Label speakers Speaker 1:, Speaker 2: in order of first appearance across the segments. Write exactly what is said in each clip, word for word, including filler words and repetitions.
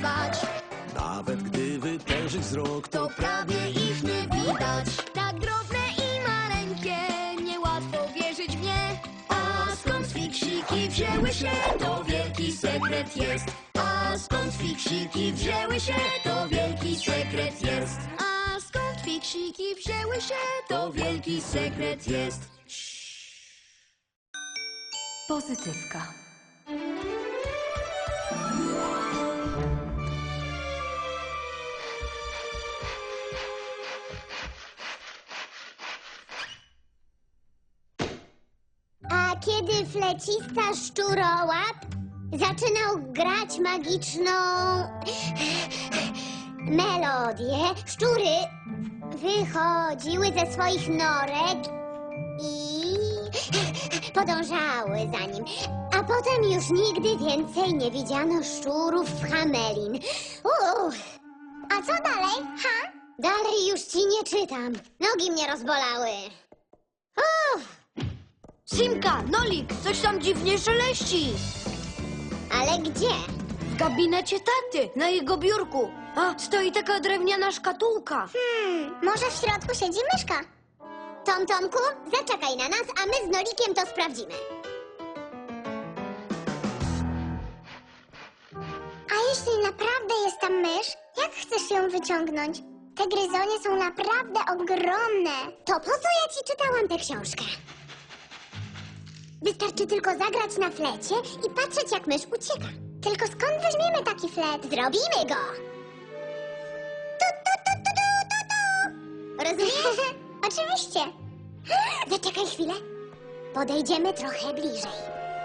Speaker 1: śpiewać.
Speaker 2: Nawet gdy wytężyć wzrok,
Speaker 1: To prawie ich nie widać. Tak drobne i maleńkie, niełatwo wierzyć w nie. A skąd fiksiki wzięły się, to wielki sekret jest. A skąd fiksiki wzięły się, to wielki sekret jest. A skąd fiksiki wzięły się, to wielki sekret jest.
Speaker 3: Pozytywka.
Speaker 4: A kiedy flecista szczurołap zaczynał grać magiczną melodię, szczury wychodziły ze swoich norek i podążały za nim. A potem już nigdy więcej nie widziano szczurów w Hamelin. Uff. A co dalej, ha? Dalej już ci nie czytam. Nogi mnie rozbolały. Uff.
Speaker 1: Simka, Nolik, coś tam dziwnie szeleści.
Speaker 4: Ale gdzie?
Speaker 1: W gabinecie taty, na jego biurku. A, stoi taka drewniana szkatułka.
Speaker 4: Hmm, może w środku siedzi myszka? Tom Tomku, zaczekaj na nas, a my z Nolikiem to sprawdzimy. A jeśli naprawdę jest tam mysz, jak chcesz ją wyciągnąć? Te gryzonie są naprawdę ogromne. To po co ja ci czytałam tę książkę? Wystarczy tylko zagrać na flecie i patrzeć, jak mysz ucieka. Tylko skąd weźmiemy taki flet? Zrobimy go! Tu, tu, tu, tu, tu, tu, tu. Rozumiesz? Oczywiście. Zaczekaj chwilę. Podejdziemy trochę bliżej.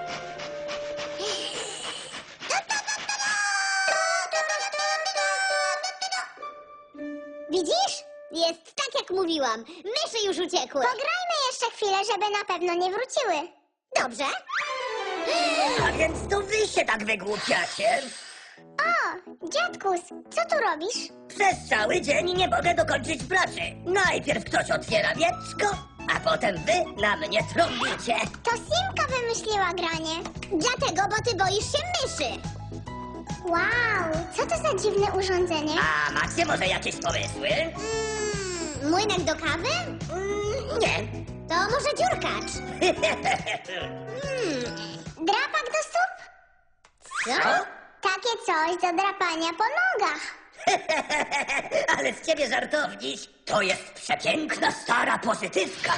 Speaker 4: Widzisz? Jest tak, jak mówiłam. Myszy już uciekły. Pograjmy jeszcze chwilę, żeby na pewno nie wróciły. Dobrze.
Speaker 5: A więc to wy się tak wygłupiacie.
Speaker 4: O, dziadkus, co tu robisz?
Speaker 5: Przez cały dzień nie mogę dokończyć pracy. Najpierw ktoś otwiera wieczko, a potem wy na mnie trąbicie.
Speaker 4: To Simka wymyśliła granie. Dlatego, bo ty boisz się myszy. Wow, co to za dziwne urządzenie?
Speaker 5: A macie może jakieś pomysły?
Speaker 4: Mm, młynek do kawy?
Speaker 5: Mm, nie.
Speaker 4: To może dziurkacz? Hmm, drapak do stóp?
Speaker 5: Co?
Speaker 4: Takie coś do drapania po nogach.
Speaker 5: Ale z ciebie żartowniś. To jest przepiękna stara pozytywka.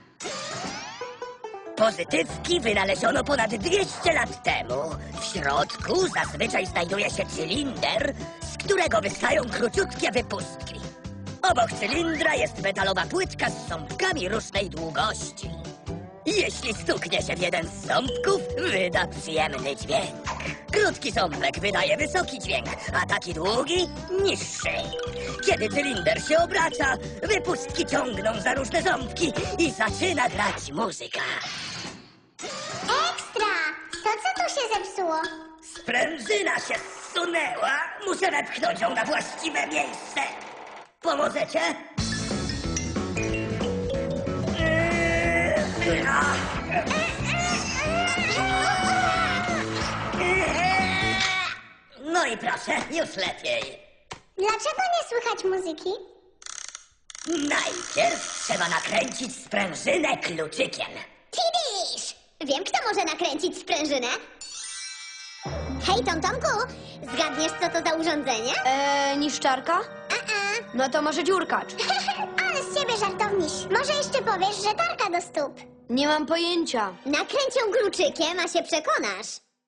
Speaker 5: Pozytywki wynaleziono ponad dwieście lat temu. W środku zazwyczaj znajduje się cylinder, z którego wystają króciutkie wypustki. Obok cylindra jest metalowa płytka z ząbkami różnej długości. Jeśli stuknie się w jeden z ząbków, wyda przyjemny dźwięk. Krótki ząbek wydaje wysoki dźwięk, a taki długi niższy. Kiedy cylinder się obraca, wypustki ciągną za różne ząbki i zaczyna grać muzyka.
Speaker 4: Ekstra! To co tu się zepsuło?
Speaker 5: Sprężyna się zsunęła. Muszę wepchnąć ją na właściwe miejsce. Pomożecie? No i proszę, już lepiej.
Speaker 4: Dlaczego nie słychać muzyki?
Speaker 5: Najpierw trzeba nakręcić sprężynę kluczykiem.
Speaker 4: Tidisz! Wiem, kto może nakręcić sprężynę. Hej, Tom Tomku, zgadniesz, co to za urządzenie?
Speaker 1: Eee, niszczarka?
Speaker 4: A-a.
Speaker 1: No to może dziurkacz.
Speaker 4: Ale z ciebie żartowniś. Może jeszcze powiesz, że tarka do stóp.
Speaker 1: Nie mam pojęcia.
Speaker 4: Nakręć ją kluczykiem, a się przekonasz.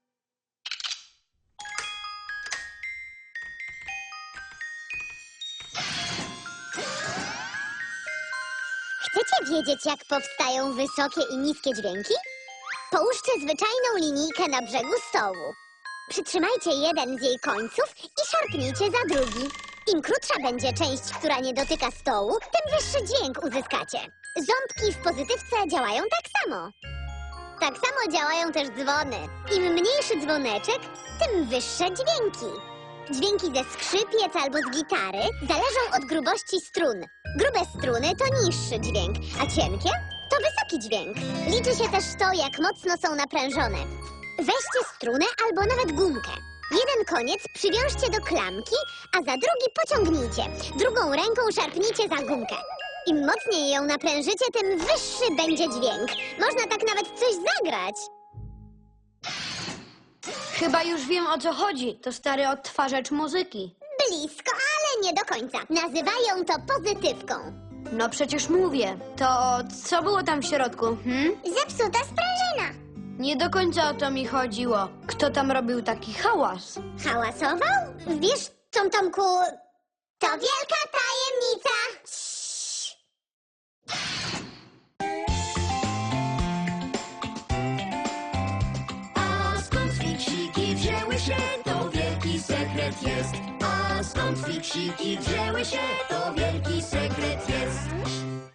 Speaker 4: Chcecie wiedzieć, jak powstają wysokie i niskie dźwięki? Połóżcie zwyczajną linijkę na brzegu stołu. Przytrzymajcie jeden z jej końców i szarpnijcie za drugi. Im krótsza będzie część, która nie dotyka stołu, tym wyższy dźwięk uzyskacie. Ząbki w pozytywce działają tak samo. Tak samo działają też dzwony. Im mniejszy dzwoneczek, tym wyższe dźwięki. Dźwięki ze skrzypiec albo z gitary zależą od grubości strun. Grube struny to niższy dźwięk, a cienkie to wysoki dźwięk. Liczy się też to, jak mocno są naprężone. Weźcie strunę albo nawet gumkę. Jeden koniec przywiążcie do klamki, a za drugi pociągnijcie. Drugą ręką szarpnijcie za gumkę. Im mocniej ją naprężycie, tym wyższy będzie dźwięk. Można tak nawet coś zagrać.
Speaker 1: Chyba już wiem, o co chodzi. To stary odtwarzacz muzyki.
Speaker 4: Blisko, ale nie do końca. Nazywają to pozytywką.
Speaker 1: No przecież mówię. To co było tam w środku, hm?
Speaker 4: Zepsuta sprężyna.
Speaker 1: Nie do końca o to mi chodziło. Kto tam robił taki hałas?
Speaker 4: Hałasował? Wiesz, Tom Tomku, to wielka tajemnica.
Speaker 1: A skąd fiksiki wzięły się, to wielki sekret jest. A skąd fiksiki wzięły się, to wielki sekret jest.